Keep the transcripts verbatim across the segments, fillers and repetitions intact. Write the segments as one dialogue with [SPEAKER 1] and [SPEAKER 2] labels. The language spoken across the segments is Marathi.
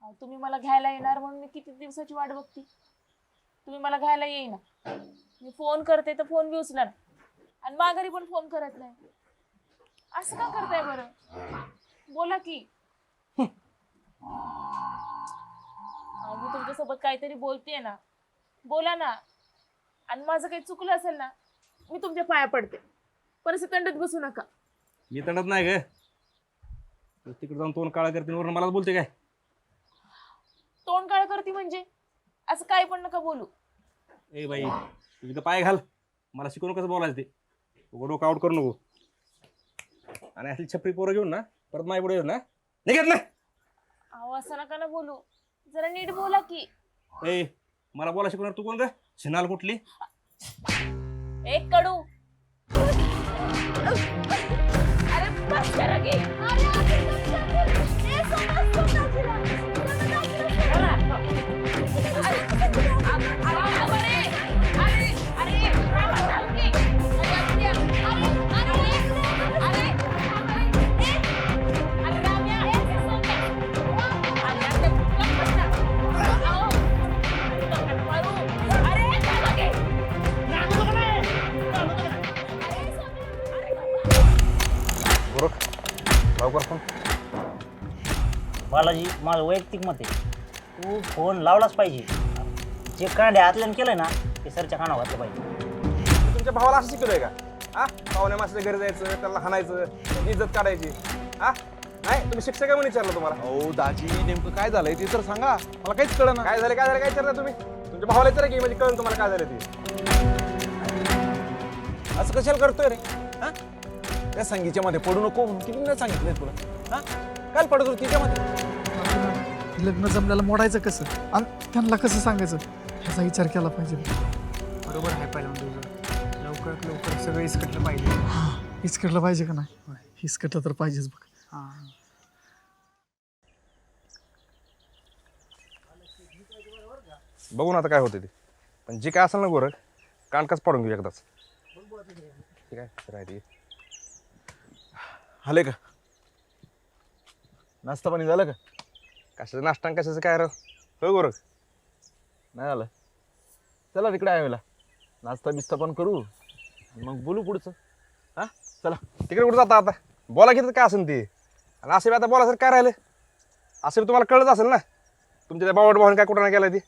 [SPEAKER 1] तुम्ही मला घ्यायला येणार म्हणून मी किती दिवसाची वाट बघते. तुम्ही मला घ्यायला येईना. मी फोन करते तर फोन बी उचला ना, आणि माघारी पण फोन करत नाही. असं का करताय बरं? बोला की. मी तुमच्यासोबत काहीतरी बोलतेय ना, बोला ना. आणि माझं काही चुकलं असेल ना, मी तुमच्या पाया पडते, पण असं तंडत बसू नका.
[SPEAKER 2] मी तंडत नाही ग. तिकडे जाऊन तोंड काळा करते वरून मलाच बोलते काय?
[SPEAKER 1] तोंड काळ करते म्हणजे असं काही पण नका बोलू.
[SPEAKER 2] ए बाई, तुझी तर पाय घाल. मला शिकवून कसं बोलायचं ते. उघड डोकं आउट करू नको. आणि असली छपरी पोरं घेऊन ना परत माय पुढे येऊ ना, निघत ना.
[SPEAKER 1] अहो असं नका ना बोलू, जरा नीट बोला की.
[SPEAKER 2] ए मला बोला शिकवणार तू कोण ग? शिनाल कुठली?
[SPEAKER 1] एक कडू. अरे बस करा की.
[SPEAKER 3] बालाजी, माझं वैयक्तिक मत आहे, तू फोन लावलाच पाहिजे. जे कांडे आतल्यानं केलंय ना ते सरच्या कानावर घातलं पाहिजे.
[SPEAKER 2] तुमच्या भावाला असं शिकवलंय का? हा, पाहुण्या माणसाच्या घरी जायचं, त्याला हाणायचं, त्याची इज्जत काढायची. हा नाही, तुम्ही शिक्षक आहे म्हणून विचारलं तुम्हाला.
[SPEAKER 4] हो दाजी, नेमकं काय झालंय ते तर सांगा, मला काहीच कळलं ना.
[SPEAKER 2] काय झालं काय झालं काय विचारता तुम्ही? तुमच्या भावाला विचारा की, म्हणजे कळलं तुम्हाला काय झालं ते.
[SPEAKER 4] असं कशाला करतोय रे? हा, त्या संगीच्या मध्ये पडू नको म्हणून किती नाही सांगितलंय तुला? हा, काल पडत होती तिच्यामध्ये.
[SPEAKER 5] लग्न जमल्याला मोडायचं कसं आणि त्यांना कसं सांगायचं ह्याचा विचार केला पाहिजे.
[SPEAKER 6] बरोबर आहे पहिल्यांदा तुझं. लवकरात लवकर सगळं इसकटलं पाहिजे.
[SPEAKER 5] हिसकटलं पाहिजे का नाही? हिसकटलं तर पाहिजेच बघ.
[SPEAKER 6] हां,
[SPEAKER 2] बघू ना आता काय होते ते. पण जे काय असेल ना गोरख, कानकाच पाडून घेऊ एकदाच. ठीक आहे राहते.
[SPEAKER 4] आले का? नाश्ता पाणी झालं का?
[SPEAKER 2] कशाचं नाश्ता कशाचं काय राव? हो गोरख,
[SPEAKER 4] नाही आलं. चला तिकडे आहे मला, नाश्ता बिस्ता पण करू मग बोलू पुढचं. हा चला.
[SPEAKER 2] तिकडे कुठं जाता आता? बोला घेतात काय असेल ते. आणि असे बी आता बोला सर काय राहिलं? असं बी तुम्हाला कळत असेल ना, तुमच्या त्या बावट भावाने काय कुठं नाही केलं ते.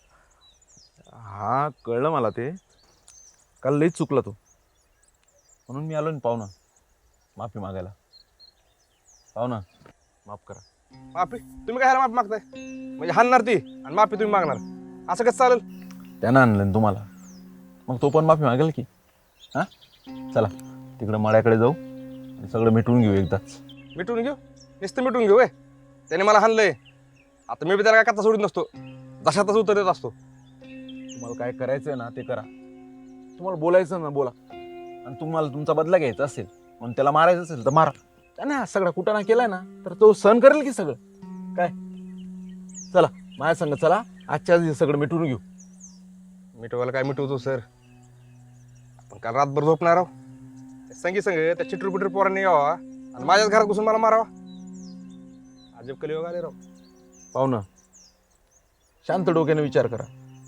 [SPEAKER 4] हा कळलं मला ते. काल लईच चुकला तू, म्हणून मी आलो ना पाहुणा माफी मागायला. पाहुणा माफ करा.
[SPEAKER 2] माफी? तुम्ही काय माफी मागताय? म्हणजे हाणणार ती आणि माफी तुम्ही मागणार, असं कसं चालेल?
[SPEAKER 4] त्यानं आणलं ना तुम्हाला, मग तो पण माफी मागेल की. हा चला तिकडं मळ्याकडे जाऊ आणि सगळं मिटवून घेऊ एकदाच.
[SPEAKER 2] मिटून घेऊ? नुसतं मिटून घेऊ. त्याने मला हाणलंय, आता मी बी त्याला काय कथा सोडत नसतो, जशातच उत्तर देत असतो.
[SPEAKER 4] तुम्हाला काय करायचंय ना ते करा. तुम्हाला बोलायचं ना बोला, आणि तुम्हाला तुमचा बदला घ्यायचा असेल म्हणून त्याला मारायचं असेल तर मारा. त्याने हा सगळा कुटाणा केलाय ना तर तो सहन करेल की सगळं. काय चला माझ्या संग चला, आजच्या दिवशी सगळं मिटवून घेऊ.
[SPEAKER 2] मिटवायला काय मिटवतो सर? आपण काल रातभर झोपणार आहो, संगी संग त्या चिटरू पिटरू पोरांनी यावा आणि माझ्याच घरात घुसून मला मारावा. अजब कलियोग आले राव.
[SPEAKER 4] पाहुणं शांत डोक्याने विचार करा.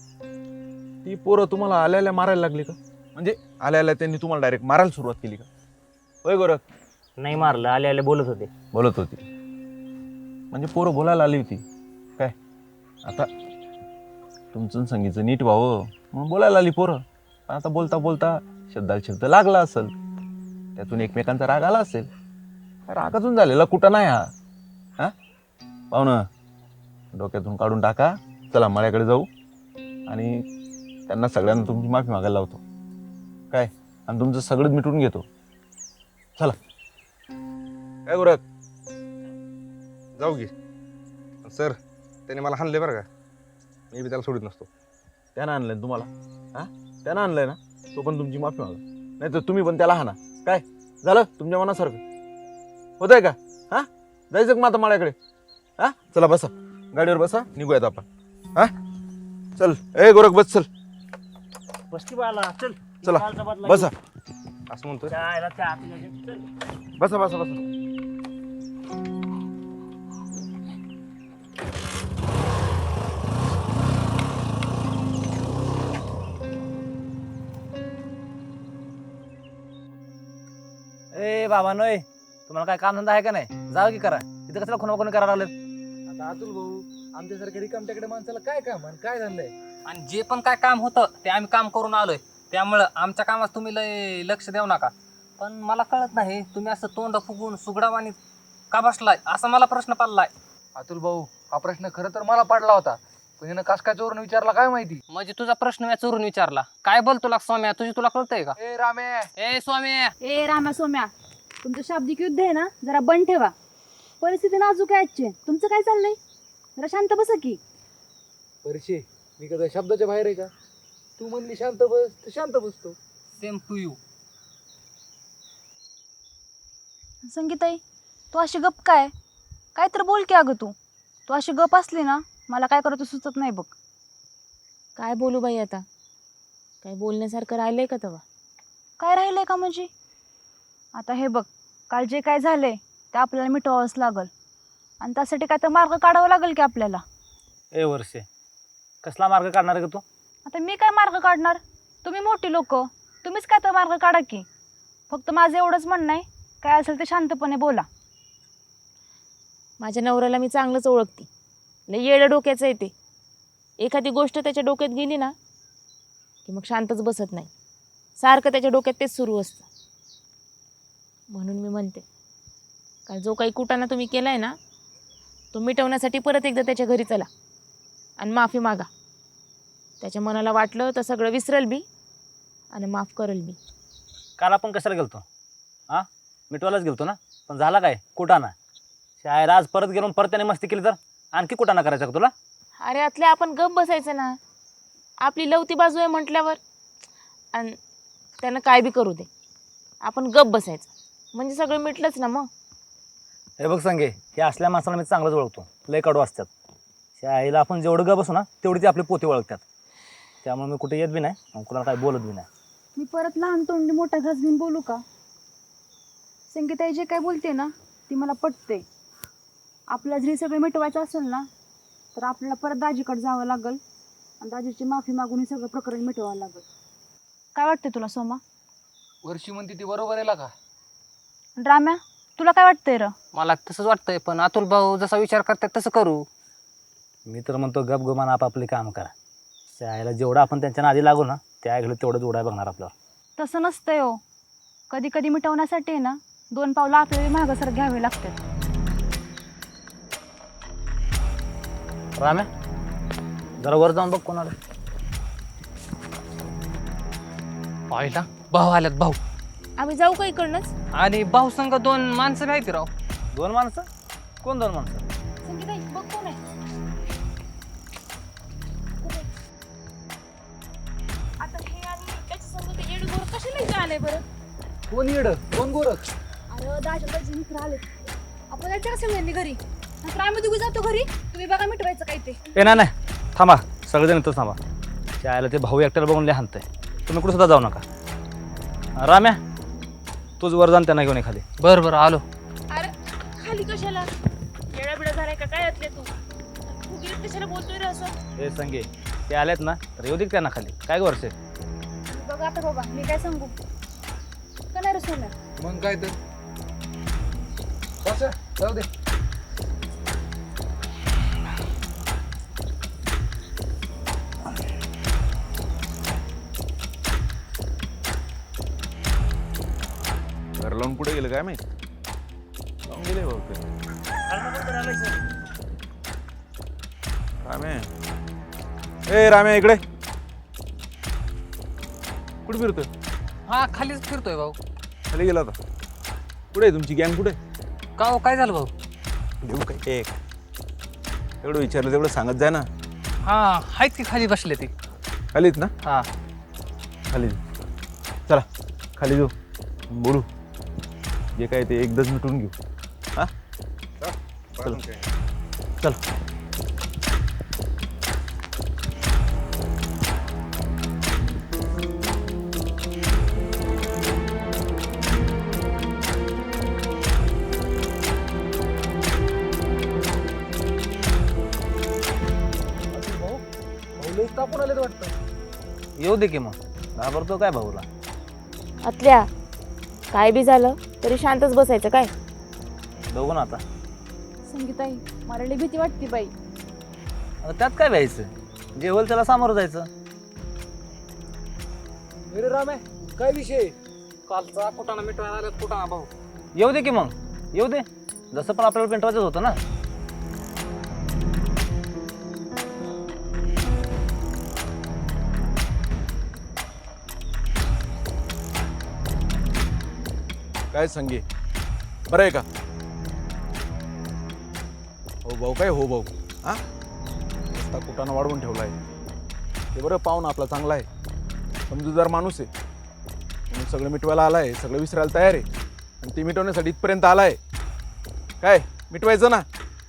[SPEAKER 4] ती पोरं तुम्हाला आल्या आल्या मारायला लागली का? म्हणजे आल्या आल्या त्यांनी तुम्हाला डायरेक्ट मारायला सुरुवात केली का? होय गोरख?
[SPEAKER 3] नाही मारलं, आले आले बोलत होते.
[SPEAKER 4] बोलत होती म्हणजे पोरं बोलायला आली होती काय? आता तुमचं संगीचं नीट व्हावं म्हणून बोलायला आली पोरं. आता बोलता बोलता शब्दाला शब्द लागला असेल, त्यातून एकमेकांचा राग आला असेल. रागातून झालेला कुठं नाही हा. हा पाहुणं डोक्यातून काढून टाका. चला मळ्याकडे जाऊ आणि त्यांना सगळ्यांना तुमची माफी मागायला लावतो काय, आणि तुमचं सगळं मिटून घेतो. चला.
[SPEAKER 2] काय गोरख, जाऊ की. सर त्याने मला हाणले बरं का, मी बी त्याला सोडित नसतो.
[SPEAKER 4] त्यानं आणलंय ना तुम्हाला? हा त्यानं आणलंय ना, तो पण तुमची माफी मागा. नाही तर तुम्ही पण त्याला हाना. काय झालं तुमच्या मनासारखं होतंय का? हा जायचं का मग आता मळ्याकडे? हा चला बसा गाडीवर, बसा निघूयात आपण. हा चल. ए गोरख बस, चल
[SPEAKER 3] बसती बाला, चल
[SPEAKER 4] चला
[SPEAKER 3] कालचा बदला
[SPEAKER 4] बसा.
[SPEAKER 2] असं म्हणतोय.
[SPEAKER 3] जायला त्या आतल्या जग- चल.
[SPEAKER 4] बसा बसा बसा.
[SPEAKER 7] बाबा नोय, तुम्हाला काय काम धंदा आहे का नाही? जावं की करा. इथं कसला खुना कोणी करायला लागलं?
[SPEAKER 6] आता अतुल भाऊ आमच्यासारख्या रिकामटेकडे माणसाला काय काम आणि काय झालंय?
[SPEAKER 8] आणि जे पण काय काम होतं ते आम्ही काम करून आलोय. त्यामुळं आमच्या कामात तुम्ही लय लक्ष देऊ नका. पण मला कळत नाही तुम्ही असं तोंड फुगून सुगडावानी का बसलाय, असा मला प्रश्न पडलाय.
[SPEAKER 6] अतुल भाऊ हा प्रश्न खरं तर मला पडला होता, पण हिनं कस काय चोरून विचारला काय माहिती.
[SPEAKER 8] म्हणजे तुझा प्रश्न मी चोरून विचारला. काय बोल तुला स्वाम्या, तुझी तुला कळतंय का?
[SPEAKER 6] ए रामे,
[SPEAKER 8] ए स्वाम्या,
[SPEAKER 9] ए राम्या सोम्या, तुमचं शाब्दिक युद्ध आहे ना जरा बंद ठेवा. परिस्थिती नाजूक आहे आजची. तुमचं काय चाललंय? जरा शांत बसा की.
[SPEAKER 6] परशे मी कदा शब्दाच्या बाहेर आहे का? तू म्हणली शांत बस तर शांत बसतो.
[SPEAKER 8] Same to you.
[SPEAKER 9] संगीताई, तू अशी गप काय काय तर बोल की. अगं तू तू अशी गप असली ना मला काय करतो सुचत नाही बघ.
[SPEAKER 1] काय बोलू बाई आता? काय बोलण्यासारखं राहिलंय का तेव्हा?
[SPEAKER 9] काय राहिलंय का म्हणजे? आता हे बघ, काल जे काय झालंय ते आपल्याला मिटवावंच लागल आणि त्यासाठी काय तर मार्ग काढावा लागेल की आपल्याला.
[SPEAKER 3] ए वर्षे, कसला मार्ग काढणार आहे का तू?
[SPEAKER 9] आता मी काय मार्ग काढणार? तुम्ही मोठी लोक, तुम्हीच काय तर मार्ग काढा की. फक्त माझं एवढंच म्हणणं आहे, काय असेल ते शांतपणे बोला.
[SPEAKER 1] माझ्या नवऱ्याला मी चांगलंच ओळखते. लय येडं डोक्याचं आहे ते. एखादी गोष्ट त्याच्या डोक्यात गेली ना की मग शांतच बसत नाही. सारखं त्याच्या डोक्यात तेच सुरू असतं. म्हणून मी म्हणते, का जो काही कुटाणा तुम्ही केलाय ना तो मिटवण्यासाठी परत एकदा त्याच्या घरी चला आणि माफी मागा. त्याच्या मनाला वाटलं तर सगळं विसरल बी आणि माफ करल बी.
[SPEAKER 3] काल आपण कशाला गेलतो? हां, मिटवायलाच गेलतो ना. पण झाला काय? कुटाणा. शाळेत आज परत गेलो परत त्याने मस्ती केली तर आणखी कुटाणा करायचा का तुला?
[SPEAKER 1] अरे आतल्या आपण गप बसायचं ना. आपली लवती बाजू आहे म्हटल्यावर. आणि त्यानं काय बी करू दे, आपण गप बसायचं म्हणजे सगळं मिटलंच ना मग.
[SPEAKER 3] हे बघ संगे, हे असल्या माणसाला मी चांगलंच ओळखतो. लय कडू असतात. शाळेला आपण जेवढं ग बसू ना तेवढी ती आपली पोती ओळखतात. त्यामुळे मी कुठे येत बी नाही आणि कुणाला काय बोलत बी नाही.
[SPEAKER 9] मी परत लहान तोंडी मोठा घास घेऊन बोलू का? संगीताई जे काय बोलते ना ती मला पटते. आपल्याला जरी सगळं मिटवायचं असेल ना तर आपल्याला परत दाजीकडे जावं लागेल आणि दाजीची माफी मागून हे सगळं प्रकरण मिटवावं लागेल. काय वाटते तुला सोमा?
[SPEAKER 6] वर्षी म्हणते ती बरोबर आहे का?
[SPEAKER 9] राम्या, तुला काय वाटतंय र?
[SPEAKER 8] मला तसंच वाटतंय, पण अतुल भाऊ जसा विचार करतात तसं करू.
[SPEAKER 3] मी तर म्हणतो गप गुमान आपापले काम करा. शाळेला जेवढं आपण त्यांच्या नादी लागू ना त्या ऐकलं तेवढं जोडाय बघणार आपल्याला.
[SPEAKER 9] तसं नसतंय हो. कधी कधी मिटवण्यासाठी ना दोन पावलं आपल्याला मागं सर घ्यावे लागतात.
[SPEAKER 3] राम्या, जरा वर जाऊन बघ कोणाला.
[SPEAKER 8] पाहिला भाऊ आल्यात भाऊ.
[SPEAKER 1] आम्ही जाऊ का इकडनंच?
[SPEAKER 8] आणि भाऊ संघ दोन माणसं माहिती राव.
[SPEAKER 3] दोन माणसं? कोण दोन माणसं?
[SPEAKER 9] संगीताई बघ कोण आहे.
[SPEAKER 1] आता हे आणि त्याच्या संग ते येड गोर कशाला इथं आलंय बरं?
[SPEAKER 6] कोण येड कोण गोरख?
[SPEAKER 9] अरे दाजी दाजी मित्र आले. आपण जायचं का सगळ्यांनी घरी? नंतर आम्ही दोघी जातो घरी. तुम्ही बघा मिटवायचं काय ते.
[SPEAKER 3] ए नाही नाही, थांबा. सगळेजण इथंच थांबा. शाळेला ते भाऊ एकट्याला बघून लय हाणतंय. तुम्ही कुठं सुद्धा जाऊ नका. राम्या, तूच वर जाण त्यांना घेऊन ये खाली.
[SPEAKER 8] बरं बरं आलो.
[SPEAKER 1] अरे खाली कशाला? येडा बिडा झालाय का काय यातले तू? तू गिरीत कशाला बोलतोय रे असं?
[SPEAKER 3] हे संगे, ते आलेत ना तर येऊ दे त्यांना खाली. काय ग वर्षे?
[SPEAKER 9] बघा आता बाबा मी काय सांगू का नाही रे सोम्या?
[SPEAKER 6] मग काय तर बस जाऊ दे.
[SPEAKER 4] घर लावून कुठे गेलं काय माहिती? लावून गेले बहुतेक. रामे, ए रामे इकडे. कुठे फिरतोय?
[SPEAKER 8] हा खालीच फिरतोय भाऊ.
[SPEAKER 4] खाली गेला होता. कुठे आहे तुमची गँग? कुठे?
[SPEAKER 8] का हो, काय झालं भाऊ?
[SPEAKER 4] देऊ काय एक एवढं विचारलं तेवढं सांगत जाय ना.
[SPEAKER 8] हा आहेत की खाली बसले ते.
[SPEAKER 4] खालीच ना?
[SPEAKER 8] हा
[SPEAKER 4] खाली चला, खाली जाऊ बोलू. जे काय ते एकदाच मिटून घेऊ. हा चल चल.
[SPEAKER 6] तापून आले वाटतं.
[SPEAKER 3] येऊ दे की मग. घाबरतो काय भाऊला?
[SPEAKER 1] आतल्या काय बी झालं तरी शांतच बसायचं काय?
[SPEAKER 3] बघू ना आता.
[SPEAKER 9] संगीताई मला लई भीती वाटते बाई.
[SPEAKER 3] आता त्यात काय व्हायचं, जे होईल त्याला सामोरं जायचं.
[SPEAKER 6] अरे रामे, काय विषय?
[SPEAKER 8] कालचा कुटाणा मिटवायला आल्यात कुटाणा भाऊ.
[SPEAKER 3] येऊ दे की मग, येऊ दे. जसं पण आपल्याला पेंटवायचं होतं ना.
[SPEAKER 4] काय संगे, बरं आहे का? हो भाऊ, काय हो भाऊ, हा रस्ता कुटाणा वाढवून ठेवला आहे. ते बरं, पाहून आपला चांगला आहे, समजूतदार माणूस आहे. म्हणून सगळं मिटवायला आला आहे, सगळं विसरायला तयार आहे. आणि ते मिटवण्यासाठी इथपर्यंत आला आहे. काय मिटवायचं ना?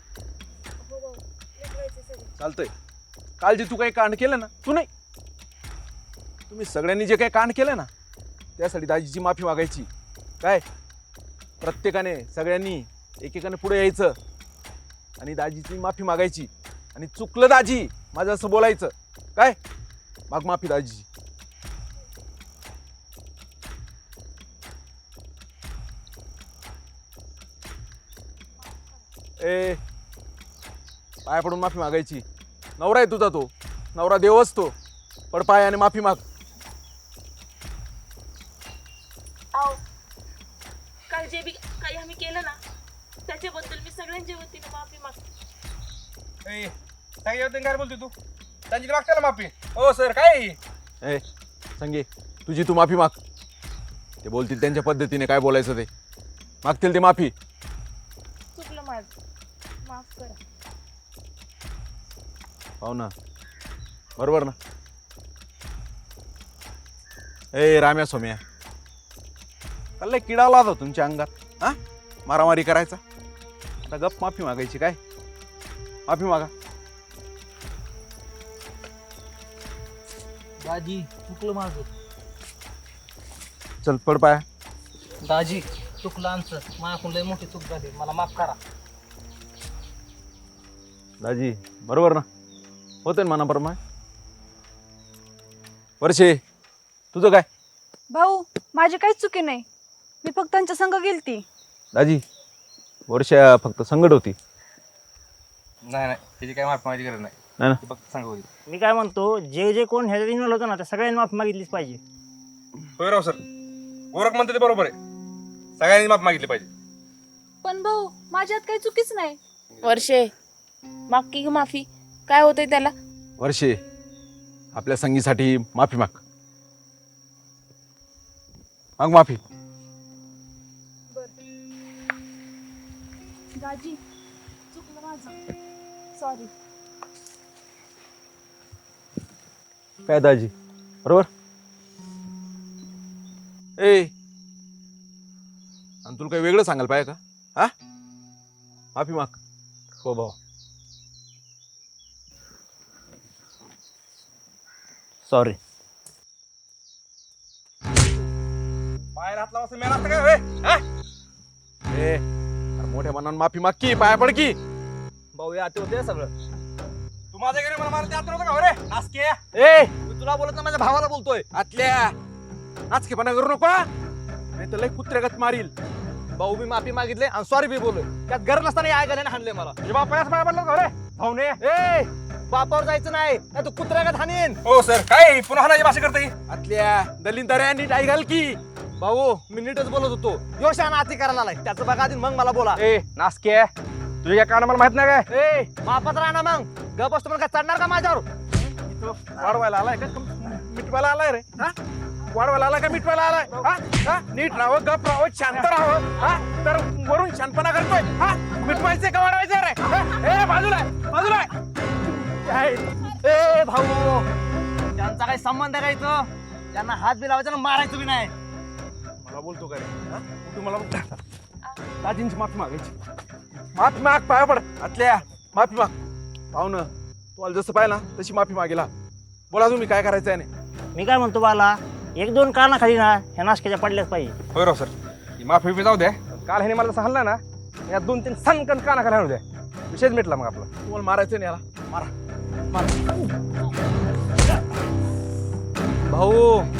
[SPEAKER 4] चालतंय. काल जे तू काही कांड केलं ना, तू नाही, तुम्ही सगळ्यांनी जे काही कांड केलं ना, त्यासाठी दाजीची माफी मागायची. काय प्रत्येकाने, सगळ्यांनी एकेकाने पुढे यायचं आणि दाजीची माफी मागायची. आणि चुकलं दाजी माझं असं बोलायचं. काय माग माफी दाजीची. ए पाया पडून माफी मागायची. नवरा आहे तुझा, तो नवरा देव असतो. पड पाय आणि माफी माग.
[SPEAKER 1] आओ, काल जे बी काही आम्ही केलं ना त्याच्याबद्दल मी सगळ्यांच्या वतीने माफी मागते.
[SPEAKER 2] काय बोलतोय तू? त्यांची मागते ना माफी. हो सर, काय
[SPEAKER 4] ए संगे, तुझी तू माफी माग. ते बोलतील त्यांच्या पद्धतीने, काय बोलायचं ते मागतील ते माफी.
[SPEAKER 1] चुकलं माझं, माफ करा.
[SPEAKER 4] पाहू ना, बरोबर ना? ए राम्या सोम्या, कल्ले किडा आला होता तुमच्या अंगात, हा मारामारी करायचा. आता गप माफी मागायची. काय माफी मागा.
[SPEAKER 8] दाजी चुकलं माझं.
[SPEAKER 4] चल पड पाया.
[SPEAKER 8] दाजी चुकलं आमचं, माझ्याकडून लय मोठी चूक झाली, मला माफ करा.
[SPEAKER 4] दाजी बरोबर ना, होते ना मनाप्रमाणे. वर्षे तुझं काय?
[SPEAKER 9] भाऊ माझी काहीच चुकी नाही, मी फक्त त्यांच्या संग गेलती.
[SPEAKER 4] दाजी वर्षा फक्त संकट होती.
[SPEAKER 2] नाही नाही, त्याची काय माफी मागायची गरज नाही.
[SPEAKER 4] नाही ना?
[SPEAKER 2] ती फक्त सांग होईल.
[SPEAKER 3] मी काय म्हणतो, जे जे कोण ह्याच्यात इन्व्हॉल्व होतं ना, त्या सगळ्यांनी माफी मागितलीच पाहिजे.
[SPEAKER 2] होय राव सर, गोरख म्हणते ते बरोबर आहे. सगळ्यांनी माफी मागितली पाहिजे.
[SPEAKER 9] पण भाऊ माझ्यात काही चुकीच नाही.
[SPEAKER 1] वर्षे, माग की माफी, काय होतंय त्याला?
[SPEAKER 4] वर्षे आपल्या संगीसाठी माफी माग. माग माफी.
[SPEAKER 9] दाजी चुकलं माझं, सॉरी.
[SPEAKER 4] काय दाजी बरोबर? ए आणि तुला काही वेगळं सांगायला पाहिजे का? हा माफी माग.
[SPEAKER 3] हो भाऊ, सॉरी.
[SPEAKER 2] पाय हात लावा असं मेला असतं काय? होय? हा?
[SPEAKER 4] ए अरे मोठ्या मनानं माफी माग की, पाया पड की.
[SPEAKER 3] भाऊ या होते सगळं.
[SPEAKER 2] तू माझ्या घरी मला मारते आत नव्हतं का? हो रे नासके.
[SPEAKER 4] ए मी तुला बोलत ना, माझ्या भावाला बोलतोय. आतल्या नाचकेपणा करू नको, नाही तर लय कुत्र्यागत मारील.
[SPEAKER 3] भाऊ मी माफी मागितले आणि सॉरी बी बोललोय. त्यात गरज नसताना ऐकायला हाणले मला.
[SPEAKER 2] तुझ्या बापायाच पाय पडलं का? हो रे भाऊने.
[SPEAKER 3] ए बापावर जायचं नाही, नाही तू कुत्र्यागत हाणीन.
[SPEAKER 2] हो सर, काय पुन्हा हाणाची भाषा करते?
[SPEAKER 4] आतल्या दलिंदऱ्या नीट आई घाल की.
[SPEAKER 3] भाऊ मी नीटच बोलत होतो. यो शान आती करायला आलाय, त्याचं बघा आधी मग मला बोला.
[SPEAKER 2] ए नासके, तुझ्या या काना मला माहित नाही काय?
[SPEAKER 3] ए मापात राहा ना मग. गप असतो मला काय चढणार का माझ्यावर?
[SPEAKER 2] वाढवायला आलाय का? मिटवायला आलाय रे? हा? वाढवायला आलाय का मिटवायला आलाय? हा? हा? नीट राहावं, गप राहावं, शांत राहावं. हा? तर वरून शांतपणा करतोय. हा? मिटवायचंय का वाढवायचंय रे? हा? ए बाजूला आहे, बाजूला आहे.
[SPEAKER 3] काय? ए भाऊ त्यांचा काही संबंध आहे का इथं? त्यांना हात बी लावायचा ना, मारायचं बी नाही.
[SPEAKER 2] मला बोलतो का रे? हा? तू मला बोलतो. दाजींची माफी मागायची. माफी माग, पाया पड. आतल्या माफी माग. पाहुणं तुम्हाला जसं पाहिलं ना तशी माफी मागेला. बोला तुम्ही काय करायचं आहे नाही.
[SPEAKER 3] मी काय म्हणतो बाला, एक दोन काना खाली ना ह्या नाशक्याच्या पडल्याच पाहिजे.
[SPEAKER 2] होय राव सर, ही माफी बी जाऊ द्या. काल ह्याने मला जसं हल्ला ना, या दोन तीन सनकन काना खाली आणू द्या. विषयच मिटला मग आपला.
[SPEAKER 4] तुम्हाला मारायचं नाही याला. मारा.
[SPEAKER 3] भाऊ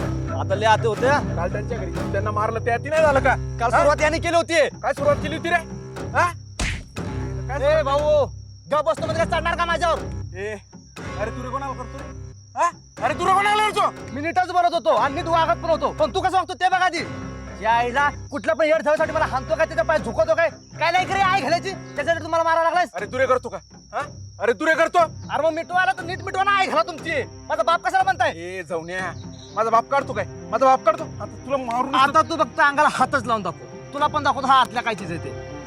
[SPEAKER 3] आता लय आते होते हा.
[SPEAKER 4] काल त्यांच्या घरी जाऊन त्यांना मारलं त्या ती नाही झालं का
[SPEAKER 3] काल सुरुवात याने केली होती.
[SPEAKER 4] काय सुरुवात केली होती रे हा
[SPEAKER 3] ए भाऊ गप बसतो म्हणजे काय चढणार का माझ्यावर?
[SPEAKER 4] ए अरे तू रे कोणाला करतो रे हा अरे तू रे कोणाला करतो
[SPEAKER 3] मी नीटच बनत होतो आणि नीट वागत पण होतो, पण तू कसं वागतो ते बघा आधी. या आईला कुठल्या पण येड ठेवासाठी मला हाणतो काय, त्याच्या पाय झुकवतो काय, काय नाही करे आई घालायची त्याच्यासाठी तुम्हाला मारायला लागलायस.
[SPEAKER 4] अरे तू रे करतो का हा अरे तू रे करतो
[SPEAKER 3] अरे मग मिटवायला तर नीट मिटवा ना आई घाला तुमची. माझा बाप कशाला म्हणताय?
[SPEAKER 4] ए जाऊन्या माझा बाप काढतो काय माझा बाप काढतो आता तुला मारून
[SPEAKER 3] आता तू फक्त अंगाला हातच लावून दाखव, तुला पण दाखवतो हा आतल्या काय चीज आहे ते.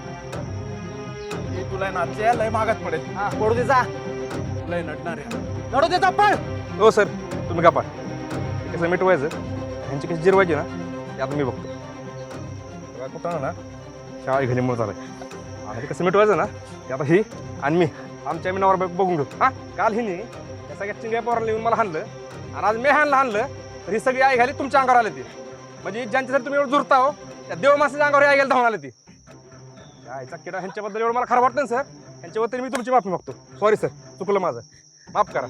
[SPEAKER 4] ए, तुला नाचल्या लय मागात पडेल
[SPEAKER 3] हा पडू दे जा,
[SPEAKER 4] लय नडणार आहे
[SPEAKER 3] लढू दे चप्पल.
[SPEAKER 2] हो सर तुम्ही का पाठ कसं मिटवायचं ह्यांची कशी जिरवायची ना ते आता मी बघतो. बघा कुठं ना शाळा घरी मुळे चालाय आणि ते कसं मिटवायचं ना ते आता ही आणि मी आमच्या मी नवर बघून घेतो. हा काल हिने या सगळ्या चिंग्या पोराला येऊन मला हाणलं आणि आज मी हाणलं हाणलं तर ही सगळी आई घाली तुमच्या अंगावर आली ती. म्हणजे ज्यांच्यासाठी तुम्ही एवढं जुरता हो त्या देव माणसाच्या अंगावर आई गेला धावून आली ती. त्या आईचा किडा ह्यांच्याबद्दल एवढं मला खरं वाटतं ना सर, ह्यांच्याबद्दल मी तुमची माफी मागतो. सॉरी सर चुकलं माझं, माफ करा.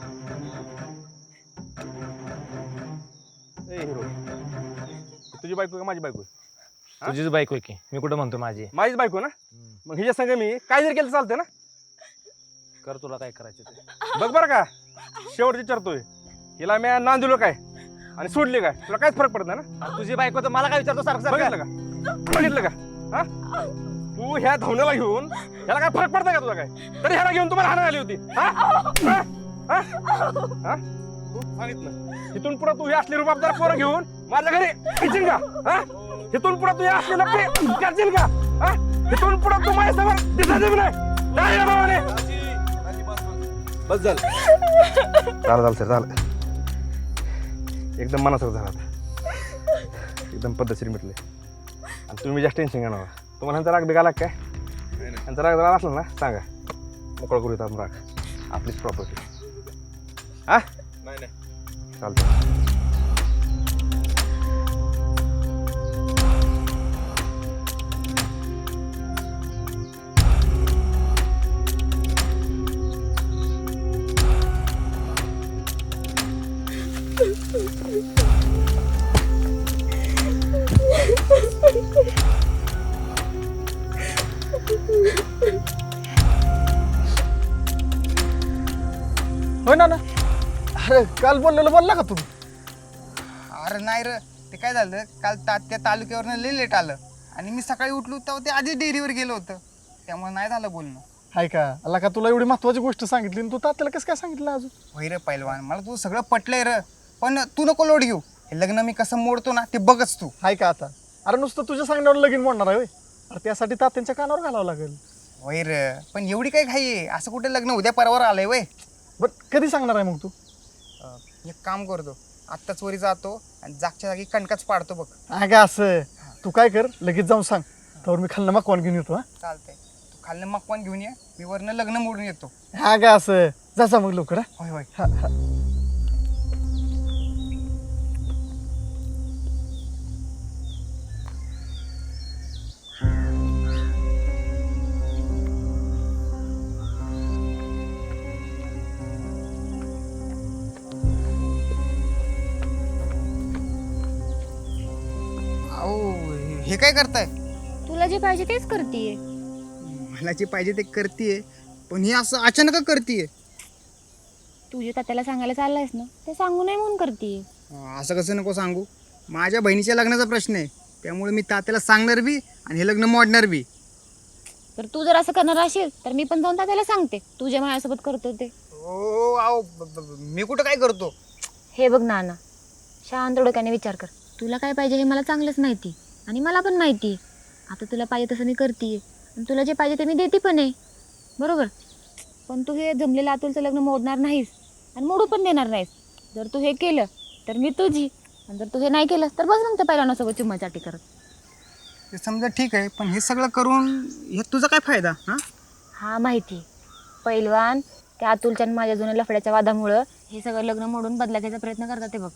[SPEAKER 2] ए हिरो तुझी बायको का माझी बायको?
[SPEAKER 3] तुझीच बायको आहे की, मी कुठं म्हणतो माझी.
[SPEAKER 2] माझीच बायको ना, मग हिच्या संग मी काय जरी केलं चालतंय ना.
[SPEAKER 3] कर तुला काय करायचं ते.
[SPEAKER 2] बघ बरं का शेवट विचारतोय हिला मी नांद दिलो काय आणि सोडली काय, तुला काहीच फरक पडत नाही ना.
[SPEAKER 3] आणि तुझी बायको तर मला काय विचारतो सारखं सारखं.
[SPEAKER 2] बघितलं का बघितलं का हा तू ह्या धावण्याला घेऊन ह्याला काय फरक पडतंय का तुला काय, तरी ह्याला घेऊन तुम्हाला हाणायला आली होती. हा? हा? हा? हा? तू सांगितलं इथून पुढे तू हे असले रुबाबदार पोरं घेऊन माझ्या घरी येशील का? हा? इथून पुढे तू हे असले लपडे करशील का? हा? इथून पुढे तू माझ्यासमोर दिसायचं बी नाही. नाही रे बाबाने.
[SPEAKER 4] बस झालं
[SPEAKER 2] झालं झालं सर झालं एकदम मनासारखं झालं आता. एकदम पद्धतशीर मिटले आणि तुम्ही जास्त टेन्शन घेणार तुम्हाला ह्यांचा राग बिघाला काय? ह्यांचा राग जरा असला ना सांगा मोकळं करू येतात राग आपलीच प्रॉपर्टी. हा
[SPEAKER 4] नाही नाही
[SPEAKER 2] चालतं.
[SPEAKER 5] होय ना ना. अरे काल बोललेलं बोलला का तुम्ही?
[SPEAKER 6] अरे नाही र, ते काय झालं काल ता त्या तालुक्यावरनं लई लेट आलं आणि मी सकाळी उठलो तेव्हा ते आधी डेअरीवर गेलो होतं, त्यामुळे नाही झालं बोलणं.
[SPEAKER 5] हाय का अला का तुला एवढी महत्वाची गोष्ट सांगितली आणि तू तात्याला कसं काय सांगितलं अजून?
[SPEAKER 6] होय रे पैलवान, मला तू सगळं पटलंय र, पण तू नको लोड घेऊ. हे लग्न मी कसं मोडतो ना ते बघच तू.
[SPEAKER 5] हाय का आता? अरे नुसतं तुझ्या सांगण्यावर लगीन म्हणणार आहे होय? अरे त्यासाठी तात्यांच्या कानावर घालावं लागेल.
[SPEAKER 6] होय र, पण एवढी काय घाई आहे? असं कुठे लग्न उद्या परवार आलंय वय.
[SPEAKER 5] बट कधी सांगणार आहे मग तू?
[SPEAKER 6] एक काम करतो, आत्ताच वरी जातो आणि जागच्या जागी कणकाच पाडतो बघ.
[SPEAKER 5] हा का असं? तू काय कर लगेच जाऊन सांग, तर मी खाल्लं मकवान घेऊन येतो. हा
[SPEAKER 6] चालतंय, तू खाल्लं मकवान घेऊन ये, मी वरनं लग्न मोडून येतो.
[SPEAKER 5] हा का असं? जा मग लवकर. हा
[SPEAKER 6] होय होय.
[SPEAKER 5] हा हा.
[SPEAKER 6] अहो हे काय करताय?
[SPEAKER 9] तुला जे पाहिजे तेच करतीये.
[SPEAKER 6] मला जे पाहिजे ते करतीये, पण हे असं अचानक करतीये.
[SPEAKER 9] तू जे तात्याला सांगायला चाललायस ना ते सांगू नये म्हणून करतीये.
[SPEAKER 6] असं कसं नको सांगू, माझ्या बहिणीच्या लग्नाचा प्रश्न आहे, त्यामुळे मी तात्याला सांगणार बी आणि हे लग्न मोडणार बी.
[SPEAKER 9] तर तू जर असं करणार असेल तर मी पण जाऊन तात्याला सांगते तू जे माझ्यासोबत करतो ते.
[SPEAKER 6] हो अहो ब- ब- मी कुठं काय करतो?
[SPEAKER 9] हे बघ नाना, शांत डोक्याने विचार कर. तुला काय पाहिजे हे मला चांगलंच माहिती आणि मला पण माहिती आहे. आता तुला पाहिजे तसं मी करते आणि तुला जे पाहिजे ते मी देते पण आहे, बरोबर. पण तू हे जमलेलं अतुलचं लग्न मोडणार नाहीस आणि मोडू पण देणार नाहीस. जर तू हे केलं तर मी तुझी, आणि जर तू हे नाही केलं तर बस मग त्या पहिल्यानासोबत चुम्माचाटी करत.
[SPEAKER 6] ते समजा ठीक आहे, पण हे सगळं करून हे तुझा काय फायदा? हां
[SPEAKER 9] हा माहिती पैलवान, त्या अतुलच्या आणि माझ्या जुन्या लफड्याच्या वादामुळं हे सगळं लग्न मोडून बदला घ्यायचा प्रयत्न करतात ते बघ.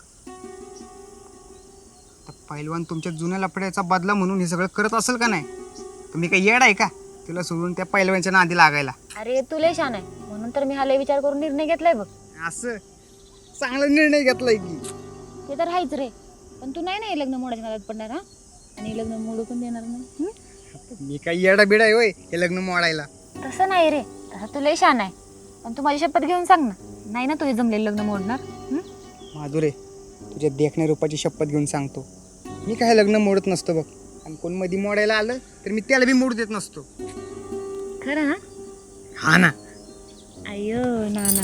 [SPEAKER 6] तर पहिलवान तुमच्या जुन्या लफड्याचा बदला म्हणून हे सगळं करत असेल का नाही? तुम्ही काही येड आहे का तुला सोडून त्या पहिलवानच्या नादी लागायला?
[SPEAKER 9] अरे तुला छान आहे म्हणून तर मी हा लय विचार करून निर्णय घेतलाय बघ.
[SPEAKER 6] असं चांगला निर्णय घेतलाय की.
[SPEAKER 9] ते तर आहेच रे, पण तू नाही ना हे लग्न मोडायच्या नादात पडणार हा, आणि हे लग्न मोडू पण देणार नाही हं?
[SPEAKER 6] मी काही येडा बिडा आहे होय हे लग्न मोडायला.
[SPEAKER 9] तसं नाही रे, तसं तू लय छान आहे, पण तू माझी शपथ घेऊन सांग ना, नाही ना तुझे जमलेलं लग्न मोडणार. हं?
[SPEAKER 6] माधुरे, तुझ्या देखण्या रूपाची शपथ घेऊन सांगतो, मी काय लग्न मोडत नसतो बघ. आणि कोण मध्ये मोडायला आलं तर मी त्याला बी मोडू देत नसतो.
[SPEAKER 9] खरं ना?
[SPEAKER 6] हा ना.
[SPEAKER 9] अय्यो नाना.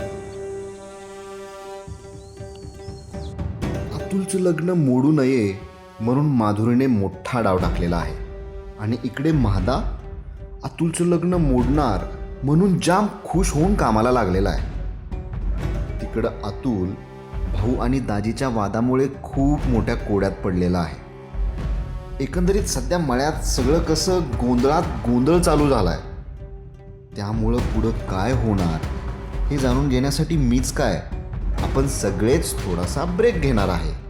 [SPEAKER 10] अतुलचं लग्न मोडू नये म्हणून माधुरीने मोठा डाव टाकलेला आहे. आणि इकडे महादा अतुलचं लग्न मोडणार म्हणून जाम खुश होऊन कामाला लागलेला आहे. तिकडं अतुल भाऊ आणि दाजीच्या वादामुळे खूप मोठ्या कोड्यात पडलेला आहे. एकंदरीत सध्या मळ्यात सगळं कसं गोंधळात गोंधळ चालू झाला आहे. त्यामुळं पुढं काय होणार हे जाणून घेण्यासाठी मीच काय आपण सगळेच थोडासा ब्रेक घेणार आहे.